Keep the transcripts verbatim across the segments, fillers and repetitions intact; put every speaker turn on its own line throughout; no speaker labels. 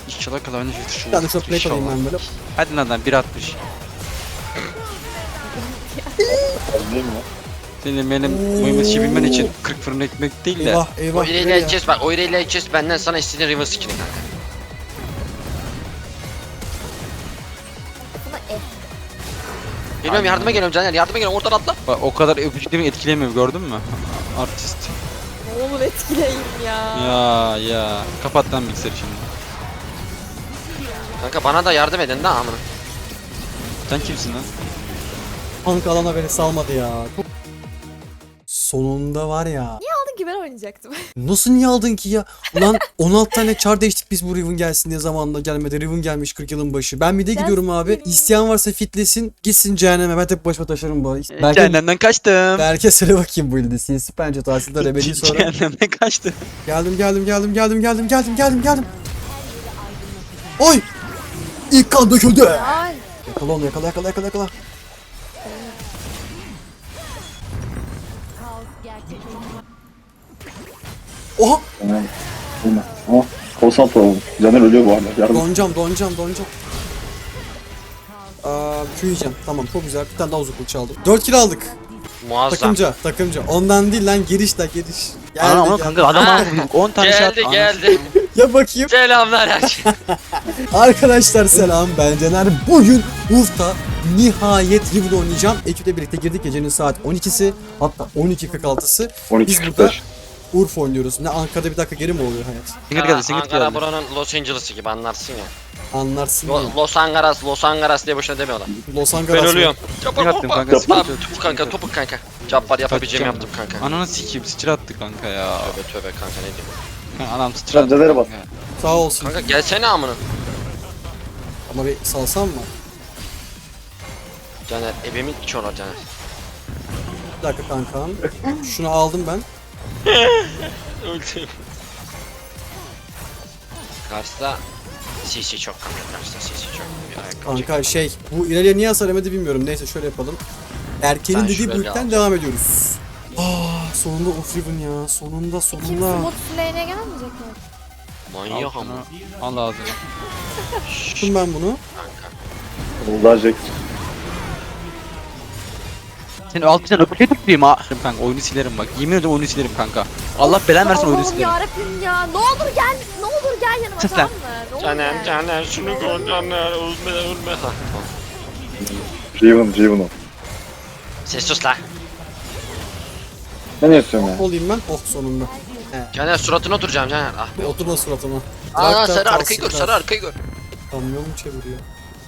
İnşallah kalanı şu.
Yani şu plate alayım ben böyle.
Hadi lan bir altmış.
Değil mi?
Senin benim mıymışı bilmen için kırk fırın ekmek değil de.
Eyvah eyvah.
O ireyle
nereye?
edeceğiz bak, o ireyle edeceğiz benden sana istediğin river skin'i kanka. Geliyorum, yardıma geliyorum Caner, yardıma geliyorum, oradan atla.
Bak, o kadar öpücüklerimi etkilemiyor, gördün mü? Artist.
Ne olur etkileyin ya.
Ya ya. Kapat lan bilgisayarı şimdi.
Kanka bana da yardım edin de amına.
Sen kimsin lan?
Tank alana beni salmadı ya. Sonunda var ya.
Aldın ki ben oynayacaktım.
Nasıl niye aldın ki ya? Ulan on altı tane çar değiştik biz bu Riven gelsin diye zamanında gelmedi. Riven gelmiş kırk yılın başı. Ben bir de
Ben
gidiyorum abi.
değilim.
İsteyen varsa fitlesin. Gitsin cehenneme. Ben tek başıma taşırım bu. Belki,
Cehennemden kaçtım.
belki söyle bakayım bu ilde. Sinsi pençe tahsilde rebeli sonra.
Cehennemden kaçtım.
Geldim geldim geldim geldim geldim geldim geldim geldim. Oy! İlk kan döküldü.
Ay.
Yakala onu yakala yakala yakala yakala. Oha!
Tamam. Olmaz. Ama konsant olalım. Caner ölüyor bu arada. Yardım.
Donacağım donacağım donacağım. Aa, Q yiyeceğim. Tamam çok güzel. Bir tane daha uzun kılıç aldım. dört kill aldık.
Muazzam.
Takımca takımca. Ondan değil lan giriş la giriş. Geldi,
Ana ama
geldi.
kanka adam
Ha.
on tane şey
Geldi
attı.
geldi.
Ya bakayım.
Selamlar her şey.
Arkadaşlar selam, ben Caner. Bugün Urf'ta nihayet Riven oynayacağım. Ekiple birlikte girdik, gecenin saat on ikisi, hatta on iki kırk altısı.
on iki
Biz
kırk
burada
beş.
Urf oynuyoruz. Ne Ankara'da bir dakika geri mi oluyor hayat?
Singir geldi, Singir
Ankara
geldi.
buranın Los Angeles'ı gibi, anlarsın ya.
Anlarsın
Lo-
ya.
Los Angeles, Los Angeles diye boşuna demiyorlar.
Los Angeles.
Ben ölüyorum.
Singir attım kanka.
Tamam,
Singir
topuk kanka, topuk kanka. Cabbar yapabileceğimi yaptım kanka.
Ananı sikeyim, sıçra attı kanka ya.
Tövbe tövbe kanka, ne diyeyim.
Kanka adam sıçra attı.
Caner'e bak.
kanka.
Sağ olsun.
Kanka gelsene amına.
Ama bir salsam mı?
Caner, evimin içi olur Caner.
Bir dakika kankam. Şunu aldım ben.
Öldüm. Kars'ta C C çok kanka, Kars'ta C C çok. Bir ayakkabı
Kanka şey, bu ileriye niye hasar yemedi bilmiyorum. Neyse şöyle yapalım. Erkeğin
Sen
dediği
şuraya
büyükten
al.
devam ediyoruz. Ah, sonunda Urf Riven ya. Sonunda
Kimse
sonunda.
mod lane'e gelmeyecek mi?
Manyak
Al
ama.
şunu, al ağzını.
Tuttum ben bunu.
Kanka.
Olacak.
Seni alt bizden öpücük tutayım ha. Kanka oyunu silerim bak. Yemin ediyorum oyunu silerim kanka. Allah belanı versin oyunu
Allah'ım
silerim.
yarabbim ya. Ne olur gel. Ne olur gel yanıma,
Sus
tamam mı? Ne olur
Caner,
gel.
Caner şunu gör Caner, ölme ölme. Ha, tamam.
Riven, Riven o.
Ses sus la.
Ben ne istiyorum ya?
Olayım ben. Oh sonunda.
Caner suratına oturacağım Caner. Ah.
Bir oturma suratıma.
Aa
Bırak da
sarı arkayı gör,
kalsınlar.
sarı arkayı gör.
Kamyon mu çeviriyor?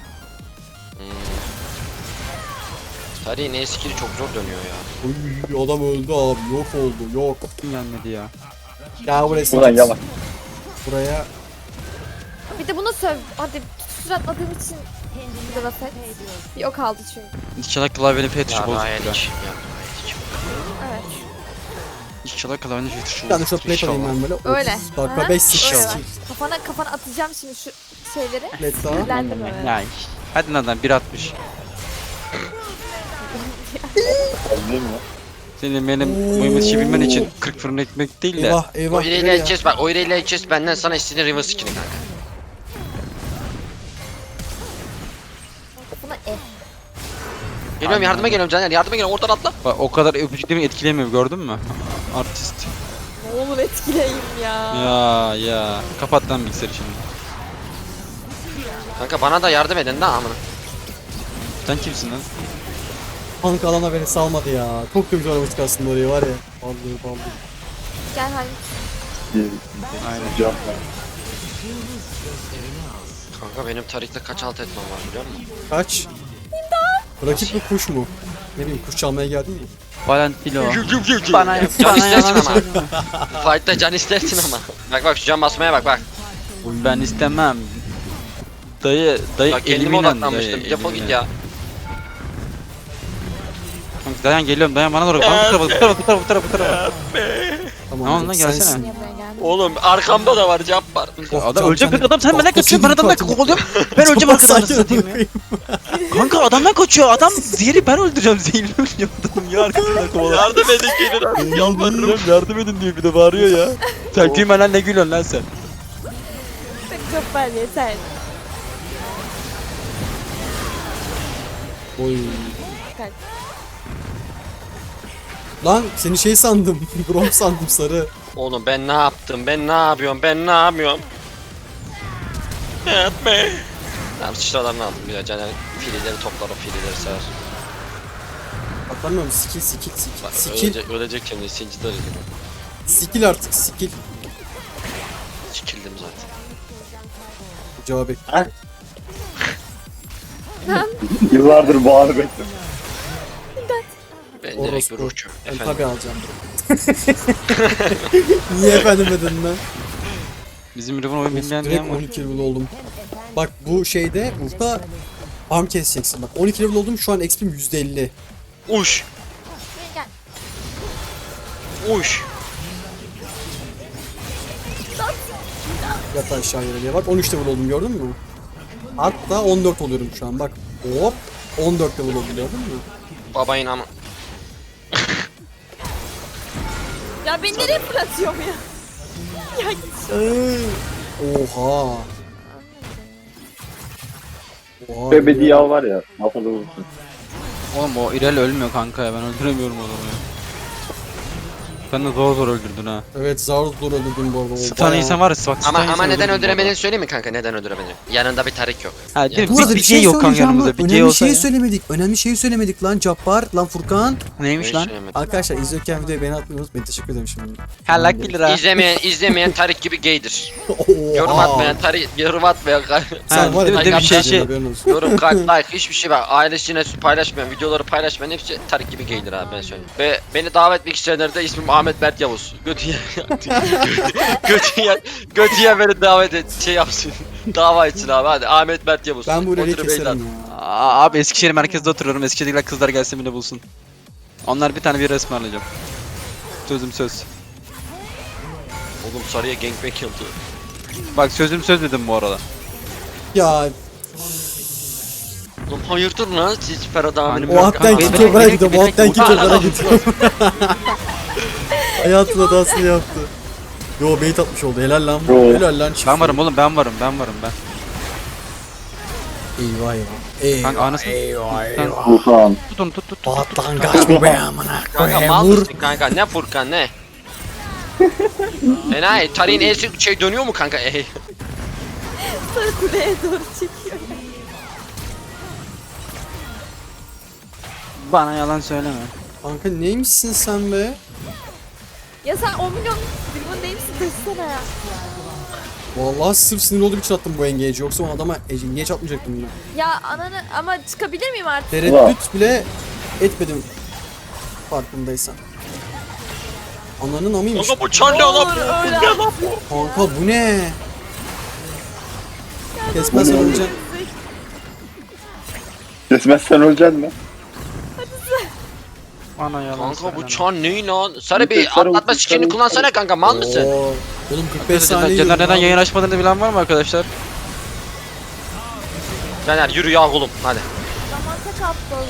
Sarı ne skill'i çok zor dönüyor ya.
Uy, adam öldü abi. Yok oldu. Yok.
Kim gelmedi ya?
Ya buraya
Buradan
sıçratsın.
yalan.
Buraya.
Bir de bunu söv. Hadi suratladığım için bir de laf et. Bir ok aldı çünkü.
İnşallah klavyenin F tuşu
Ya
bozuk
daha
ya.
yedik.
Evet.
İnşallah klavyenin F tuşu
Bir tane
bozuk.
şu plate alayım ben böyle.
Öyle.
otuz dakika
Aha,
beş sıçra.
öyle bak. Kafana kafana atacağım şimdi şu şeyleri.
Plate daha.
Sinirlendim öyle.
Ya hadi lan bir altmış.
Değil mi?
Senin benim mıymışı bilmen için kırk fırın ekmek değil de.
Eyvah
O
eyvah.
ireyle
nereye?
edeceğiz bak, o ireyle edeceğiz benden sana istediğin river skin'i kanka.
Kafana e.
Geliyorum, yardıma geliyorum Caner, yardıma geliyorum, oradan atla.
Bak, o kadar öpücüklerimi etkilemiyor, gördün mü? Artist.
Ne olur etkileyin ya.
Ya ya. Kapat lan bilgisayarı şimdi.
Kanka bana da yardım edin de amına.
Sen kimsin lan?
Tank alana beni salmadı ya. Çok da güzel oynamıştık aslında orayı var ya. Vallahi vallahi.
Gel hadi.
İyi.
Aynen.
Cevap ver.
Kanka benim tarihte kaç alt etmem var biliyor musun?
Kaç? Rakip mi kuş mu? Ne bileyim kuş çalmaya geldin mi?
Valentino.
Bana,
Bana
can
bana
istersin
yalan
ama. Fight'ta can istersin ama. Bak bak şu can basmaya bak bak.
Ben istemem. Dayı, dayı
Bak kendime
eliminen
odaklanmıştım.
dayı,
Defol git
eliminen.
ya.
Kanka dayan geliyorum, dayan bana doğru. Bana bu tarafa, bu tarafa, bu tarafa, bu tarafa.
Tamam,
Tamam lan,
sensin.
gelsene.
Niye buraya geldin?
Oğlum arkamda da var cevap var.
Oh,
Adam
can-
ölecek
can-
bir adam, sen benden
Oh,
kaçıyorsun, ben
senin
adamdan
katil.
kovalıyorum. Ben öleceğim arkadan
Sakin ol,
satayım ya. Kanka adamdan kaçıyor, adam zehri ben öldüreceğim, zehirli ölüyor adam ya, arkasından kovalıyor.
Yardım edin gelin.
Yalvarırım yardım edin diyor, bir de bağırıyor ya. Sen gülme lan, ne gülüyorsun lan sen?
Jabbar yeter.
Oy.
Kaç.
Lan seni şey sandım. Grom sandım sarı.
Oğlum ben ne yaptım? Ben ne yapıyorum? Ben ne yapıyorum? Etme. Tamam sıçralarını aldım bir de Caner filileri toplar o filileri sever.
Atlamıyorum skill skill
Bak
skill. Skill.
ölecek, ölecek şimdi sinciler gibi.
Skill artık skill.
Sikildim zaten.
Cevap et.
Yıllardır bu anı bekledim.
Ben direkt bir
Orospu.
ruhçu.
Ben
Efendim.
tabi alacağım. Niye efendim dedin lan?
Bizim Riven oyun bilmeyen
Direkt
diyen var.
on iki level oldum. Bak bu şeyde Ufta farm keseceksin bak. on iki level oldum şu an X P'm yüzde elli.
Uş.
Gel.
Uş.
Yat aşağı yere diye bak on üç level oldum gördün mü? Hatta on dört oluyorum şu an bak. Hop on dört level oldum gördün mü?
Babayın ama.
Ya beni nereye fırlatıyorum ya? Ya git.
Ee, Oha. Oha.
Bebe diyav var ya. Masada vursun.
Oğlum o İrel ölmüyor kanka ya ben öldüremiyorum adamı ya. Sen de zor zor öldürdün ha.
Evet zar zor öldürdüm bu arada. O
Stun
bayağı-
insan var ya bak
Ama
stun
ama
insan
neden
öldürdün bu
öldüremediğini söyleyeyim mi kanka? Neden öldüremediğini? Yanında bir tarik yok.
arada. Ha değil mi?
Bu arada
Bir,
bir
bir
şey
şey yok kanka
söyleyeceğim
yanımızda.
lan.
Bir
Önemli
şey
bir
olsa
şey
ya.
söylemedik. Önemli şeyi söylemedik lan Cabbar, lan Furkan.
Neymiş lan?
Arkadaşlar izliyorken videoyu beğeni atmayı unutmayın. Teşekkür ederim şimdi.
Ha lak bir lira.
İzlemeyen, izlemeyen tarik gibi gaydir.
Oha.
Yorum atmayan tarik, yorum atmayan
Sen
Ha,
var ya
bir de bir şey şey.
haberin olsun.
yorum, kalp, like hiçbir şey var. Ailesine paylaşmayan, videoları paylaşmayan hepsi tarik gibi gaydir abi ben söyleyeyim. Ve beni davet etmek isteyenlere de ismim Ahmet Mert Yavuz. Götüye Götüye Götüye beni davet et şey yapsın. Dava etsin abi hadi Ahmet Mert Yavuz.
Ben bu üreli
Otur
keserim
beyler.
ya.
Aa, abi Eskişehir merkezde oturuyorum. Eskişehir'dekiler kızlar gelsin beni bulsun. Onlar bir tane bir resmi alacağım. Sözüm söz.
Oğlum sarıya gangbang yıldı.
Bak sözüm söz dedim bu arada.
Ya
Oğlum hayırdır lan siz Ferhat abinin
o
Kanka,
hattan
benim-
kick
benim-
over'a
benim-
gidiyor. Bu
benim-
hattan kick over'a gidiyor. Hayatın hatasını yaptı. Yo bait atmış oldu. Helal lan.
Yo.
Helal lan. çift.
Ben varım oğlum ben varım ben varım ben.
Eyvah eyvah. Eyvah
Kanka anasını
eyvah
Sen-
eyvah.
Furkan.
tutun tut tut tut.
Patlan kaçma be amına
Kanka
koyayım.
mal
Vur.
mısın kanka ne Furkan ne? Enayi tarihin elsi şey dönüyor mu kanka? Ey.
Sonra kuleye doğru çekiyor.
Bana yalan söyleme.
Kanka neymişsin sen be?
Ya sen on milyon bilmem değil misin? Desene ya.
Vallahi sırf sinir olduğum için attım bu engage'i. Yoksa o adama engage atmayacaktım ben.
Ya ananı ama çıkabilir miyim artık?
Tereddüt bile etmedim. Farkındaysan. Ananın amıymış.
Kanka bu çar ne lan?
Olur öyle.
Kanka bu ne? Kesmezsen öleceksin.
Kesmezsen öleceksin mi?
Bana yalan
Kanka
söyleme.
bu çar ne lan? Sarı bir
Sarı-
atlatma
sarı-
skinini kullansana kanka mal mısın?
Oo, oğlum kırk beş
Caner
saniye
Caner
yiyorum
neden
lan.
yayın açmadığını bilen var mı arkadaşlar?
Caner yürü ya oğlum hadi.
Zaman tek aptal.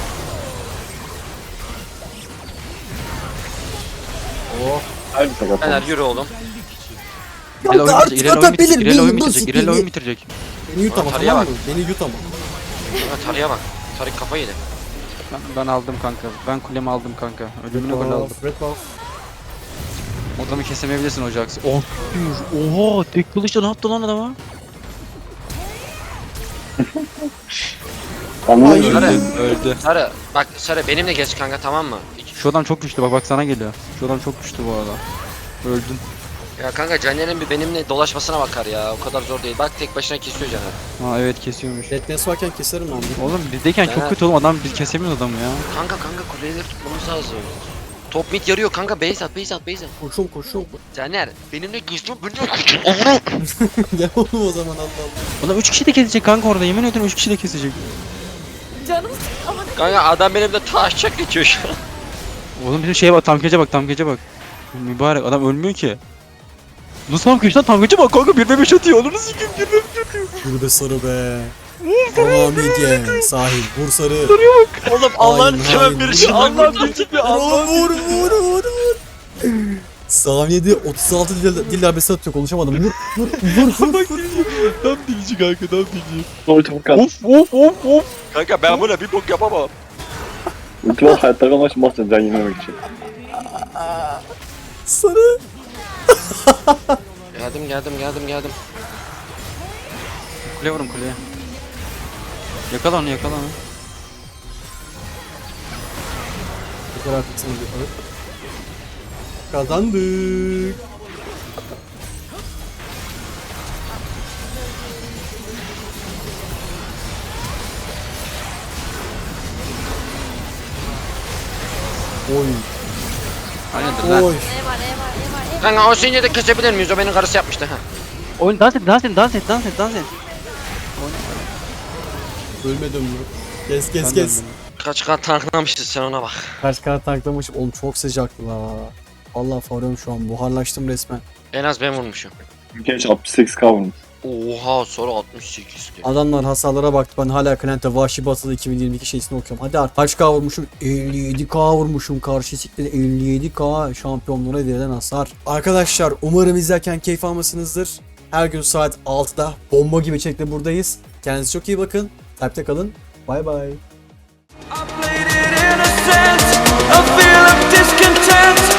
Oh.
Aynı sakat.
Caner yürü oğlum.
İrel oyun
artık
bitirecek. İrel oyun
atabilir
bitirecek. İrel oyun
miyim?
bitirecek.
Nasıl
İrel oyun
beni-
bitirecek.
Beni yut ama
Tarıya
tamam
bak.
mı? Beni yut ama.
Kanka tarıya bak. Tarık kafa yedi.
Ben, ben aldım kanka. Ben kulemi aldım kanka. Ölümüne gol aldım.
Red buff.
Adamı kesemeyebilirsin hocaksın. Oh. Oha tek kılıçla ne yaptı lan adama?
Anladın mı?
Sarı.
Öldü.
Sarı bak Sarı benimle geç kanka tamam mı?
Şu adam çok güçlü bak bak sana geliyor. Şu adam çok güçlü bu arada. Öldün.
Ya kanka Caner'in bir benimle dolaşmasına bakar ya. O kadar zor değil. Bak tek başına kesiyor Caner.
Ha evet kesiyormuş.
Deadness varken keserim lan.
Oğlum bizdeyken çok
Ha.
kötü oğlum adam biz kesemiyoruz adamı ya.
Kanka kanka kuleleri tutmamız lazım. Top mid yarıyor kanka base at base at base at.
Koşuyorum koşuyorum.
Caner benimle güçlü benimle
Gel oğlum o zaman Allah Allah.
Adam üç kişi de kesecek kanka orada yemin ediyorum üç kişi de kesecek.
Canım ama
Kanka adam benimle taşacak geçiyor şu an.
Oğlum bizim şeye bak tam gece bak tam gece bak. Mübarek adam ölmüyor ki. Nasıl tam gece lan tam gece bak kanka bir ve beş atıyor onu nasıl kim bir ve beş atıyor.
Yürü be sarı be. Tamam midye. Sahil. Vur sarı.
Oğlum
Allah'ın
seven bir şey Allah bir bir
Vur vur vur vur vur. Saniyede otuz altı dil, dil darbesi atıyor konuşamadım. Vur vur vur vur vur.
Tam dilici kanka tam dilici.
Ulti Furkan.
Of of of of.
Kanka ben böyle bir bok yapamam.
Ulti var hayatta kalmak için bastın can yememek için.
Sarı.
Geldim geldim geldim geldim.
Kuleye vurun kuleye. Yakala onu yakala onu.
Bu kadar fıksana bir alıp. Kazandık. Oy.
Hayırdır lan.
Oy.
Ne var ne var ne var ne var.
Kanka o sinirde de kesebilir miyiz? O benim karısı yapmıştı ha.
Oyun dans et dans et dans et dans et dans et.
Ölmedim mi? Kes kes
Ben de
kes.
öldüm.
Kaç kat tanklamışsın sen ona bak.
Kaç kart tanklamış. Oğlum çok sıcaktı la. Allah farıyorum şu an. Buharlaştım resmen.
En az ben vurmuşum.
Genç altmış sekiz K vurmuş.
Oha sonra altmış sekiz ki.
Adamlar hasarlara baktı. Ben hala Klent'te Vahşi Batılı iki bin yirmi iki şeysini okuyorum. Hadi artık kaç K vurmuşum? elli yedi K vurmuşum. Karşı siktir elli yedi K şampiyonluğuna verilen hasar. Arkadaşlar umarım izlerken keyif almışsınızdır. Her gün saat altıda bomba gibi çekte buradayız. Kendinize çok iyi bakın. Takipte kalın. Bay bay.
I played it innocent, a feel of discontent.